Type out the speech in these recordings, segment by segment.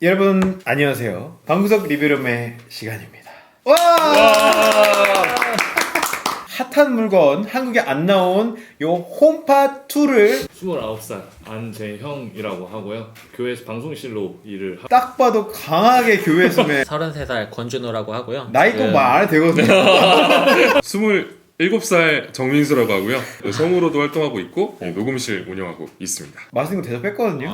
여러분 안녕하세요. 방구석 리뷰룸의 시간입니다. 와! 핫한 물건 한국에 안 나온 요 홈팟 2를 29살 안재형이라고 하고요. 교회에서 방송실로 일을 딱 봐도 강하게 교회에서 33살 권준호라고 하고요. 나이 꼭 말 안 해도 되거든요. 27살 정민수라고 하고요. 성우로도 활동하고 있고 녹음실 운영하고 있습니다. 맛있는 거 대접 뺐거든요.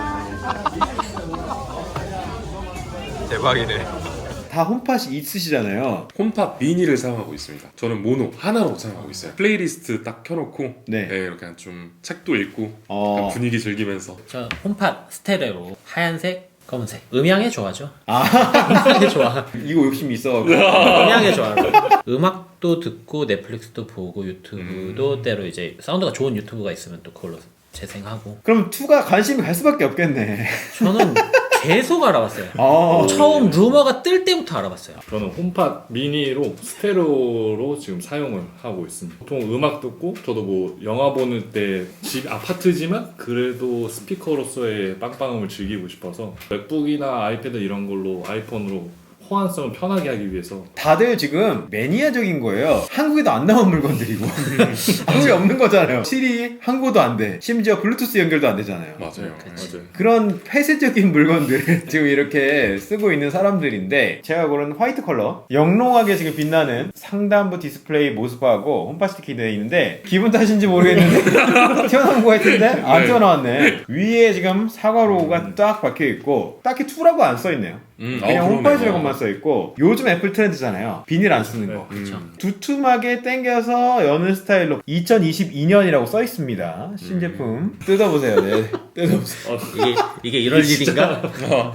대박이네. 다 홈팟이 있으시잖아요. 홈팟 미니를 사용하고 있습니다. 저는 모노 하나로 사용하고 있어요. 플레이리스트 딱 켜놓고 네. 이렇게 좀 책도 읽고 어. 약간 분위기 즐기면서 저 홈팟 스테레오 하얀색, 검은색. 음향에 좋아하죠. 아 음향에 좋아. 이거 욕심이 있어. 음향에 좋아하죠. 음악도 듣고 넷플릭스도 보고 유튜브도 때로 이제 사운드가 좋은 유튜브가 있으면 또 그걸로 재생하고. 그럼 2가 관심이 갈 수밖에 없겠네. 저는 계속 알아봤어요. 아, 처음 루머가 뜰 때부터 알아봤어요. 저는 홈팟 미니로 스테레오로 지금 사용을 하고 있습니다. 보통 음악 듣고 저도 뭐 영화 보는 때 집 아파트지만 그래도 스피커로서의 빵빵함을 즐기고 싶어서 맥북이나 아이패드 이런 걸로 아이폰으로 호환성을 편하게 하기 위해서 다들 지금 매니아적인 거예요. 한국에도 안 나온 물건들이고 한국에 없는 거잖아요. 실이 한국어도 안 돼. 심지어 블루투스 연결도 안 되잖아요. 맞아요. 맞아요. 그런 폐쇄적인 물건들을 지금 이렇게 쓰고 있는 사람들인데 제가 고른 화이트 컬러 영롱하게 지금 빛나는 상단부 디스플레이 모습하고 홈팟 스티커이 되어 있는데 기분 탓인지 모르겠는데 튀어나온 거 같은데 안 튀어나왔네. 위에 지금 사과 로고가 딱 박혀 있고 딱히 2라고 안 써 있네요. 그냥 홈팟이라고만 써 있고 요즘 애플 트렌드잖아요. 비닐 안 쓰는 거. 두툼하게 당겨서 여는 스타일로 2022년이라고 써 있습니다. 신제품 뜯어보세요. 네, 뜯어보세요. 이게 이럴 일인가?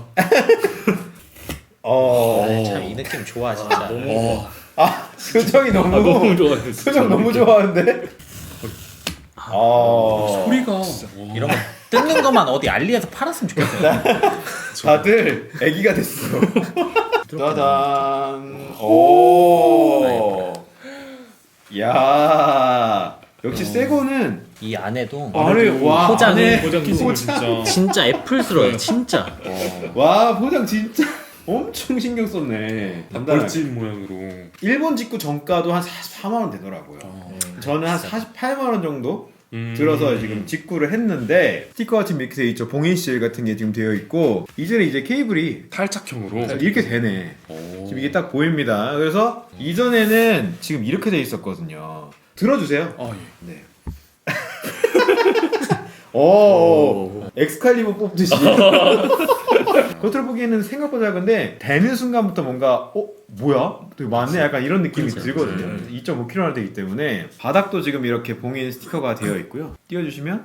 어. 참 이 느낌 좋아 진짜. 아 표정이 너무 너무 좋아요. 표정 너무 좋아하는데. 소리가 이런 거 뜯는 것만 어디 알리에서 팔았으면 좋겠어요. 다들 애기가 됐어. 짜잔. 오. 야. 역시 새거는 이 안에도 안에 와 포장이 포장 진짜 애플스러워요. 진짜. 와 포장 진짜 엄청 신경 썼네. 단단하게. 벌집 모양으로. 일본 직구 정가도 한 44만 원 되더라고요. 저는 한 48만 원 정도 들어서 지금 직구를 했는데 스티커가 지금 이렇게 돼 있죠. 봉인실 같은 게 지금 되어 있고 이제는 이제 케이블이 탈착형으로 이렇게 되네. 오. 지금 이게 딱 보입니다. 그래서 이전에는 지금 이렇게 돼 있었거든요. 들어주세요. 예. 네. 오, 엑스칼리버 뽑듯이. 겉으로 보기에는 생각보다 작은데 되는 순간부터 뭔가 뭐야? 되게 많네? 약간 이런 느낌이 들거든요. 2.5kg나 되기 때문에 바닥도 지금 이렇게 봉인 스티커가 되어 있고요. 띄워주시면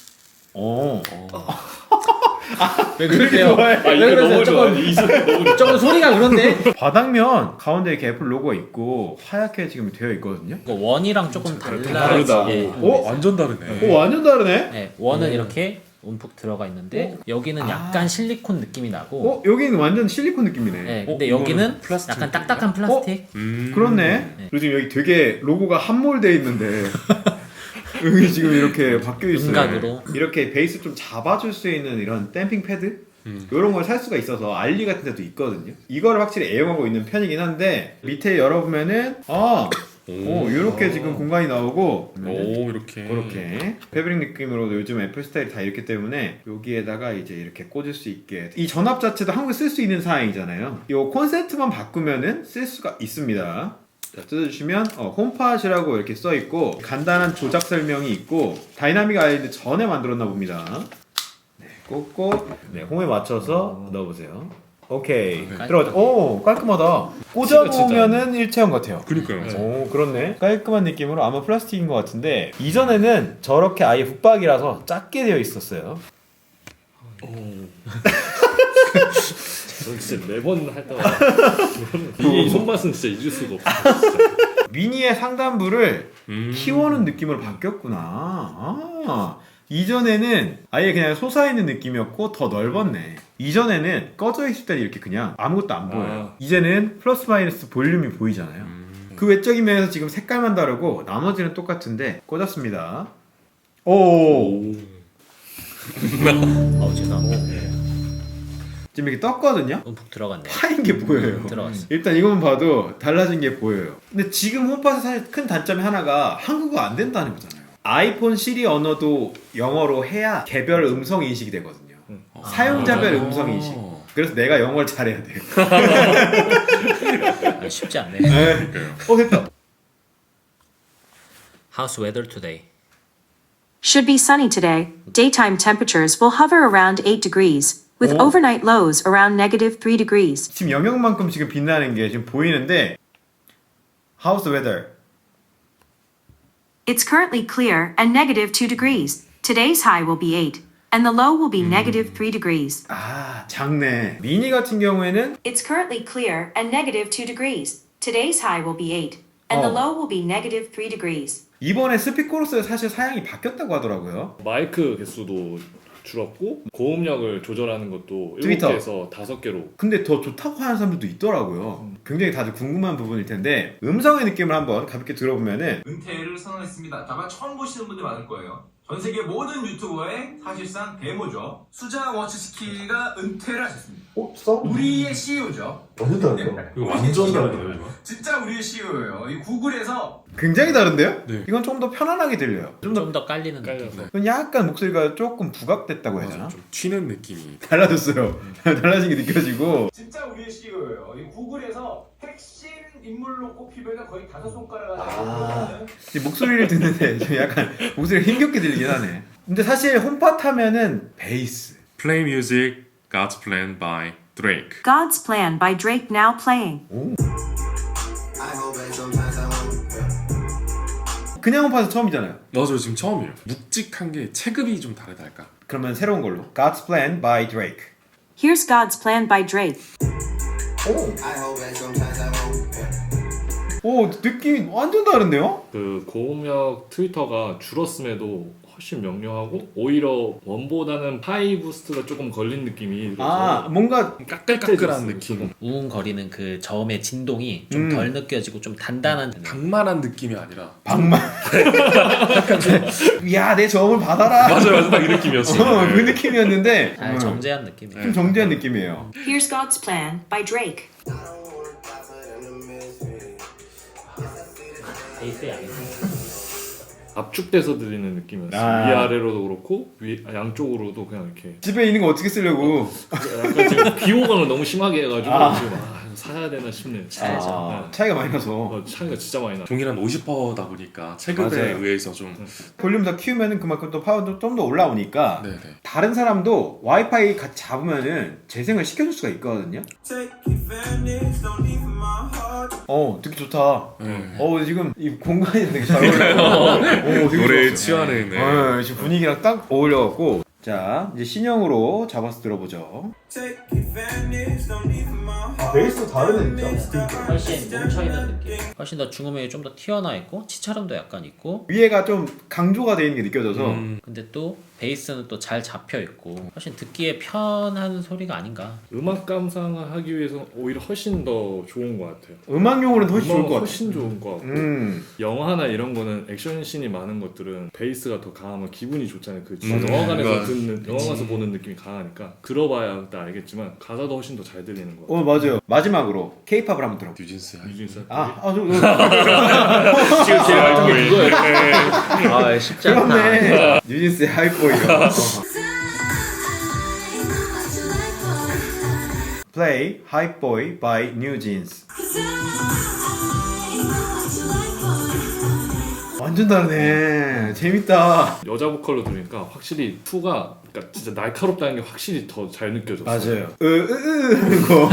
왜 그러세요? 이거 너무 좋아요. 이 소리 너무 좋아요. 조금 소리가 그런데. 바닥면 가운데 이렇게 애플 로고가 있고 하얗게 지금 되어 있거든요. 이거 원이랑 조금 달라. 다르다. 예. 완전 다르네. 오 완전 다르네? 네, 원은 이렇게 움푹 들어가 있는데 여기는 약간 실리콘 느낌이 나고. 여기는 완전 실리콘 느낌이네. 네, 근데 이거는 여기는 플라스틱 약간 딱딱한 플라스틱. 그렇네. 그리고 지금 여기 되게 로고가 함몰되어 있는데 여기 지금 이렇게 바뀌어 있어요. 윤곽으로. 이렇게 베이스 좀 잡아줄 수 있는 이런 댐핑 패드 이런 걸 살 수가 있어서 알리 같은 데도 있거든요. 이거를 확실히 애용하고 있는 편이긴 한데 밑에 열어보면은 이렇게 지금 공간이 나오고 오 이렇게. 그렇게 패브릭 느낌으로 요즘 애플 스타일이 다 이렇기 때문에 여기에다가 이제 이렇게 꽂을 수 있게 이 전압 자체도 한국에 쓸 수 있는 사양이잖아요. 이 콘센트만 바꾸면은 쓸 수가 있습니다. 자, 뜯어주시면 홈팟이라고 이렇게 써있고 간단한 조작 설명이 있고 다이나믹 아일드 전에 만들었나 봅니다. 네, 꽂고 홈에 맞춰서 넣어보세요. 오케이 들어가죠. 오 깔끔하다. 꽂아보면은 일체형 같아요. 그니까요. 오 그렇네. 깔끔한 느낌으로 아마 플라스틱인 것 같은데 이전에는 저렇게 아예 붙박이라서 작게 되어 있었어요. 저는 진짜 매번 할 때마다 이 손맛은 진짜 잊을 수가 없어요. 진짜. 미니의 상단부를 키워는 느낌으로 바뀌었구나. 이전에는 아예 그냥 솟아있는 느낌이었고 더 넓었네. 이전에는 꺼져 있을 때는 이렇게 그냥 아무것도 안 보여요. 이제는 플러스 마이너스 볼륨이 보이잖아요. 그 외적인 면에서 지금 색깔만 다르고 나머지는 똑같은데 꽂았습니다. 오. 죄송합니다. 지금 이렇게 떴거든요. 움푹 들어갔네. 파인 게 보여요. 들어갔어. 일단 이것만 봐도 달라진 게 보여요. 근데 지금 홈팟의 사실 큰 단점이 하나가 한국어 안 된다는 거잖아요. 아이폰 시리 언어도 영어로 해야 개별 음성 인식이 되거든요. 사용자별 음성 인식. 그래서 내가 영어를 잘해야 돼요. 쉽지 않네. 됐다. How's weather today? Should be sunny today. Daytime temperatures will hover around 8 degrees, with overnight lows around -3 degrees. 지금 영역만큼 지금 빛나는 게 지금 보이는데 How's the weather? It's currently clear and -2 degrees. Today's high will be 8, and the low will be -3 degrees. 아 작네. 미니 같은 경우에는 It's currently clear and -2 degrees. Today's high will be 8, and the low will be -3 degrees. 이번에 스피커로서의 사실 사양이 바뀌었다고 하더라고요. 마이크 개수도 줄었고 고음력을 조절하는 것도 트위터. 7개에서 5개로. 근데 더 좋다고 하는 사람들도 있더라고요. 굉장히 다들 궁금한 부분일 텐데 음성의 느낌을 한번 가볍게 들어보면은 은퇴를 선언했습니다. 아마 처음 보시는 분들 많을 거예요. 전 세계 모든 유튜버의 사실상 데모죠. 수자 워치스키가 은퇴를 하셨습니다. 우리의 CEO죠. 완전 다르죠? 이거 완전 다르네요. 진짜 우리의 CEO예요. 이 구글에서 굉장히 다른데요? 네. 이건 좀 더 편안하게 들려요. 좀 더 좀 더 깔리는 느낌. 깔려서. 약간 목소리가 조금 부각됐다고 해야 되나? 맞아, 좀 튀는 느낌이. 달라졌어요. 달라진 게 느껴지고 진짜 우리의 CEO예요. 이 구글에서 핵심 인물로 꼽히면 거의 5손가락 안에 이 목소리를 듣는데 좀 약간 목소리가 힘겹게 들리긴 하네. 근데 사실 홈팟 하면은 베이스. Play Music, God's Plan by Drake. God's Plan by Drake now playing. 그냥 홈팟은 처음이잖아요. 맞아요, 지금 처음이에요. 묵직한 게 체급이 좀 다르다 할까. 그러면 새로운 걸로 God's Plan by Drake. Here's God's Plan by Drake. 오 느낌이 완전 다른데요? 그 고음력 트위터가 줄었음에도 훨씬 명료하고 오히려 원보다는 하이 부스트가 조금 걸린 느낌이 아 뭔가 까끌까끌한 느낌. 우웅거리는 그 저음의 진동이 좀 덜 느껴지고 좀 단단한 방만한 느낌이 아니라. 방만. 야 내 저음을 받아라. 맞아요, 딱 이 느낌이었어요. 그 느낌이었는데 잘 정제한 느낌이에요. 좀 정제한 느낌이에요. Here's God's Plan by Drake. 베이스 양이 압축돼서 들리는 느낌이었어요. 아. 위아래로도 그렇고 양쪽으로도 그냥 이렇게 집에 있는 거 어떻게 쓰려고? 약간 지금 비호감을 너무 심하게 해가지고 지금 이거 사야 되나 싶네요. 진짜. 아, 차이가 많이 나서 차이가 진짜 많이 나. 동일한 50%다 보니까 체급에 맞아요. 의해서 좀. 볼륨 더 키우면은 그만큼 또 파워도 좀 더 올라오니까 네네. 다른 사람도 와이파이 같이 잡으면은 재생을 시켜줄 수가 있거든요. 듣기 좋다. 지금 이 공간이 되게 잘 어울려요. 되게 노래에 좋았어요. 취하는. 네. 지금 분위기랑 딱 어울려갖고 자 이제 신형으로 잡아서 들어보죠. 베이스도 다르네 진짜. 훨씬 뭉쳐있는 느낌. 훨씬 더 중음이 좀 더 튀어나와 있고 치차름도 약간 있고 위에가 좀 강조가 돼 있는 게 느껴져서 근데 또 베이스는 또 잘 잡혀 있고 훨씬 듣기에 편한 소리가 아닌가. 음악 감상을 하기 위해서 오히려 훨씬 더 좋은 것 같아요. 음악용으로는 훨씬 좋을 것 같아요. 훨씬 좋은 것 같고 영화나 이런 거는 액션씬이 많은 것들은 베이스가 더 강하면 기분이 좋잖아요. 그 영화관에서 듣는 영화관에서 보는 느낌이 강하니까 들어봐야 그때 알겠지만 가사도 훨씬 더 잘 들리는 것 같아요. 맞아요. 마지막으로 K-팝을 한번 들어볼게요. 뉴진스. 뉴진스 지금 제일 알던 게 그거예요. 아 쉽지 않다. 그렇네. 뉴진스의 하이보이가. Play Hype Boy by New Jeans. 완전 다르네. 재밌다. 여자 보컬로 들으니까 확실히 2가 그러니까 진짜 날카롭다는 게 확실히 더 잘 느껴졌어요. 맞아요. 그거.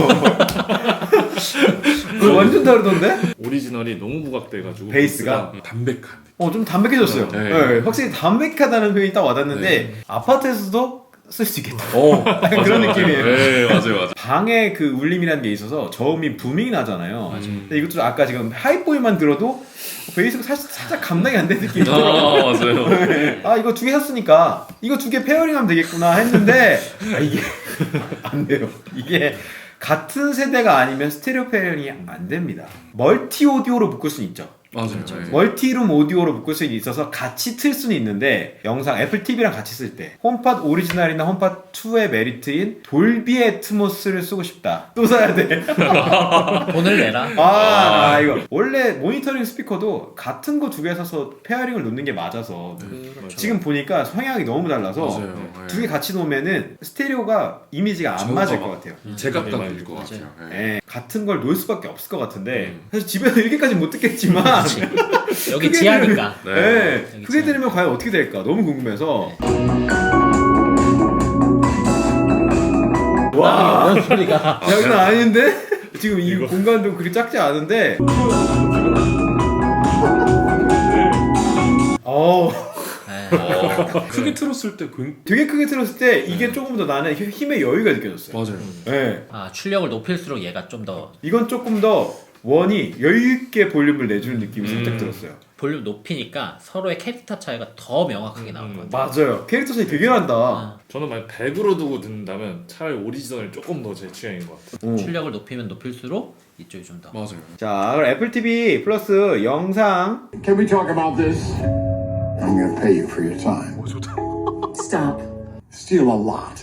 그거 완전 다르던데? 오리지널이 너무 부각돼가지고 베이스가? 담백한. 좀 담백해졌어요. 네. 네, 확실히 담백하다는 표현이 딱 와닿는데 아파트에서도 쓸 수 있겠다. 그런 느낌이에요. 네, 맞아요. 방에 그 울림이라는 게 있어서 저음이 부밍이 나잖아요. 근데 이것도 아까 지금 하이보이만 들어도 베이스가 살짝 감당이 안 되는 느낌이 들어요. 맞아요. 이거 2개 샀으니까 이거 2개 페어링하면 되겠구나 했는데 이게 안 돼요. 이게 같은 세대가 아니면 스테레오 페어링이 안 됩니다. 멀티 오디오로 묶을 수는 있죠. 맞아요. 네. 멀티룸 오디오로 묶을 수 있어서 같이 틀 수는 있는데 영상 애플 TV랑 같이 쓸 때 홈팟 오리지널이나 홈팟 2의 메리트인 돌비 애트모스를 쓰고 싶다. 또 사야 돼. 돈을 내라. 이거 원래 모니터링 스피커도 같은 거 두 개 사서 페어링을 놓는 게 맞아서 지금 보니까 성향이 너무 달라서 맞아요. 두 개 같이 놓으면은 스테레오가 이미지가 안 맞을 것 같아요. 제값 네, 들릴 것 맞아요. 같아요. 네. 예, 같은 걸 놓을 수밖에 없을 것 같은데 사실 집에서 이렇게까지 못 듣겠지만 여기 크게 지하니까. 네. 예, 여기 크게 지하. 들으면 과연 어떻게 될까 너무 궁금해서 와 이런 소리가. 장난 아닌데? 지금 이 공간도 그리 작지 않은데 크게 틀었을 때 되게 크게 틀었을 때 이게 조금 더 나는 힘의 여유가 느껴졌어요. 맞아요. 예. 출력을 높일수록 얘가 좀 더 이건 조금 더 원이 여유있게 볼륨을 내주는 느낌이 살짝 들었어요. 볼륨 높이니까 서로의 캐릭터 차이가 더 명확하게 나올 것 같아요. 맞아요. 캐릭터 차이 되게 난다. 저는 만약 100으로 두고 듣는다면 차라리 오리지널이 조금 더 제 취향인 것 같아요. 출력을 높이면 높일수록 이쪽이 좀 더. 맞아요. 자, 그럼 애플 TV 플러스 영상 Can we talk about this? I'm gonna pay you for your time. Stop. Steal a lot.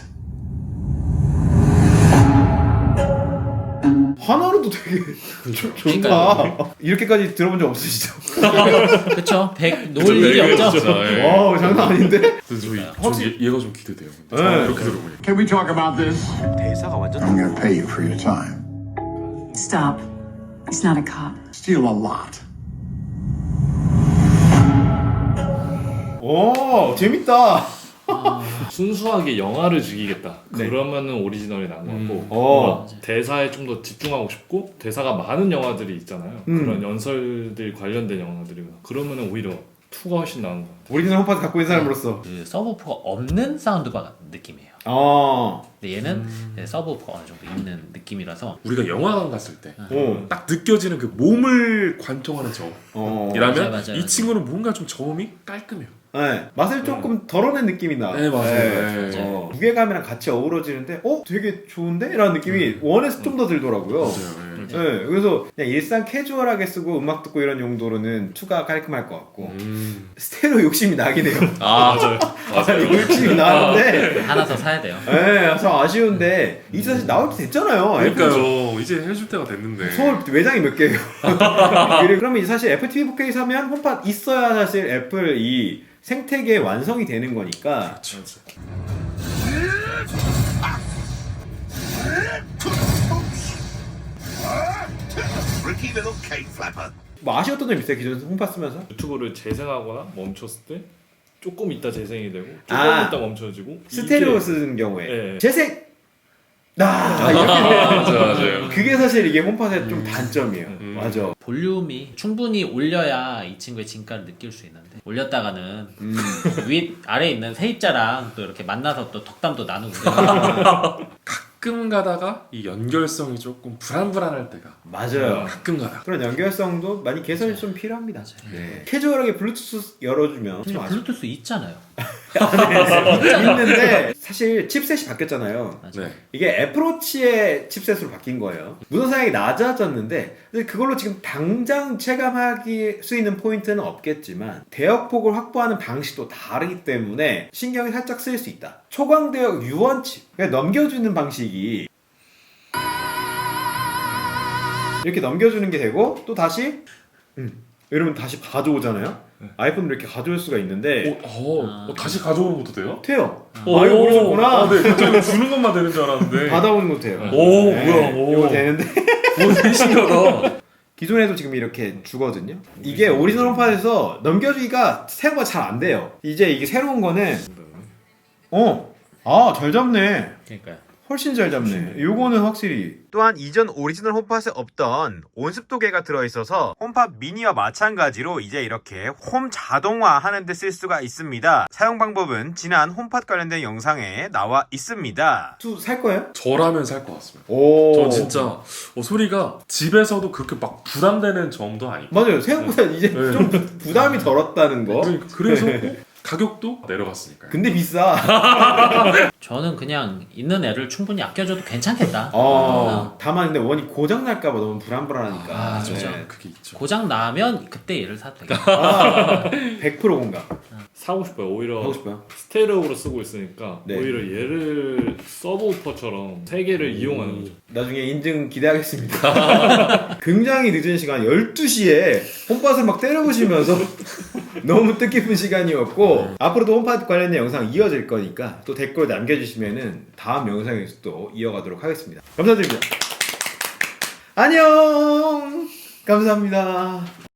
하나로도 되게 좋다. 이렇게까지 들어본 적 없으시죠? 그쵸? 100 놓을 일이 없죠. 네. 와우, 장난 아닌데? 얘가 좀 기대돼요. 근데 네. 이렇게 들어보니. Can we talk about this? 대사가 완전 I'm gonna pay you for your time. Stop. He's not a cop. Steal a lot. 오, 재밌다. 순수하게 영화를 즐기겠다. 그러면은 오리지널이 나은 것 같고 어. 대사에 좀 더 집중하고 싶고 대사가 많은 영화들이 있잖아요. 그런 연설들 관련된 영화들이거나 그러면은 오히려 2가 훨씬 나은 것 같아요. 오리지널 홈팟 갖고 있는 사람으로서. 그 서브우퍼가 없는 사운드바 같은 느낌이에요. 근데 얘는 서브우퍼가 어느 정도 있는 느낌이라서 우리가 영화관 갔을 때 딱 오. 느껴지는 그 몸을 관통하는 저음. 이라면 맞아요. 이 친구는 뭔가 좀 저음이 깔끔해요. 네, 맛을 조금 덜어낸 느낌이 나. 네, 맞아요. 네. 무게감이랑 같이 어우러지는데, 되게 좋은데? 라는 느낌이 원에서 좀 더 들더라고요. 맞아요. 네. 네, 그래서 그냥 일상 캐주얼하게 쓰고 음악 듣고 이런 용도로는 2가 깔끔할 것 같고 스테레오 욕심이 나긴 해요. 맞아요. 욕심이 나는데 하나 더 사야 돼요. 네, 참 아쉬운데 이제 사실 나올 때 됐잖아요. 그러니까요. 이제 해줄 때가 됐는데. 서울 외장이 몇 개예요. 그러면 사실 애플 TV 4K 사면 홈팟 있어야 사실 애플 이 생태계 완성이 되는 거니까. 뭐 아쉬웠던 점 있어요? 기존 홈팟 쓰면서? 유튜브를 재생하거나 멈췄을 때 조금 있다 재생이 되고 조금 아. 있다 멈춰지고 스테레오 이게- 쓰는 경우에 네. 재생! 이렇게 맞아요. 그게 사실 이게 홈팟의 좀 단점이에요. 맞아. 볼륨이 충분히 올려야 이 친구의 진가를 느낄 수 있는데 올렸다가는 윗 아래 있는 세입자랑 또 이렇게 만나서 또 덕담도 나누고 가끔 가다가 이 연결성이 조금 불안불안할 때가 맞아요. 가끔 가다. 그런 연결성도 많이 개선이 좀 필요합니다. 네. 캐주얼하게 블루투스 열어주면 좀 아쉽 블루투스 있잖아요. 있는데 사실 칩셋이 바뀌었잖아요. 네. 이게 애플워치의 칩셋으로 바뀐 거예요. 무선 사양이 낮아졌는데 근데 그걸로 지금 당장 체감할 수 있는 포인트는 없겠지만 대역폭을 확보하는 방식도 다르기 때문에 신경이 살짝 쓰일 수 있다. 초광대역 유원칩 그러니까 넘겨주는 방식이 이렇게 넘겨주는 게 되고 또 다시 이러면 다시 가져오잖아요. 아이폰으로 이렇게 가져올 수가 있는데 다시 가져오는 것도 돼요? 돼요. 이거 모르셨구나. 네, 저는 주는 것만 되는 줄 알았는데. 받아오는 것도 돼요. 오, 네, 뭐야, 오. 이거 되는데 되게 신기하다. 기존에도 지금 이렇게 주거든요. 이게 오리지널 홈팟에서 넘겨주기가 생각보다 잘 안 돼요. 이제 이게 새로운 거는 잘 잡네. 그러니까요. 훨씬 잘 잡네. 요거는 확실히. 또한 이전 오리지널 홈팟에 없던 온습도계가 들어있어서 홈팟 미니와 마찬가지로 이제 이렇게 홈 자동화 하는 데 쓸 수가 있습니다. 사용 방법은 지난 홈팟 관련된 영상에 나와 있습니다. 살 거예요? 저라면 살 것 같습니다. 오. 저 진짜 소리가 집에서도 그렇게 막 부담되는 점도 아니고. 맞아요. 생각보다 이제 네. 좀 부담이 덜었다는 거. 그러니까 그래서 가격도 내려갔으니까요. 근데 비싸. 저는 그냥 있는 애를 충분히 아껴줘도 괜찮겠다. 다만 근데 원이 고장 날까봐 너무 불안불안하니까. 아, 진짜. 네. 그게 있죠. 고장 나면 그때 얘를 사도 되겠다. 100% 공감. 사고 싶어요. 오히려 하고 싶어요. 스테레오로 쓰고 있으니까 네. 오히려 얘를 서브우퍼처럼 세 개를 이용하는 거죠. 나중에 인증 기대하겠습니다. 굉장히 늦은 시간 12시에 홈팟을 막 때려보시면서 너무 뜻깊은 시간이었고 앞으로도 홈팟 관련된 영상 이어질 거니까 또 댓글 남겨주시면은 다음 영상에서 또 이어가도록 하겠습니다. 감사드립니다. 안녕. 감사합니다.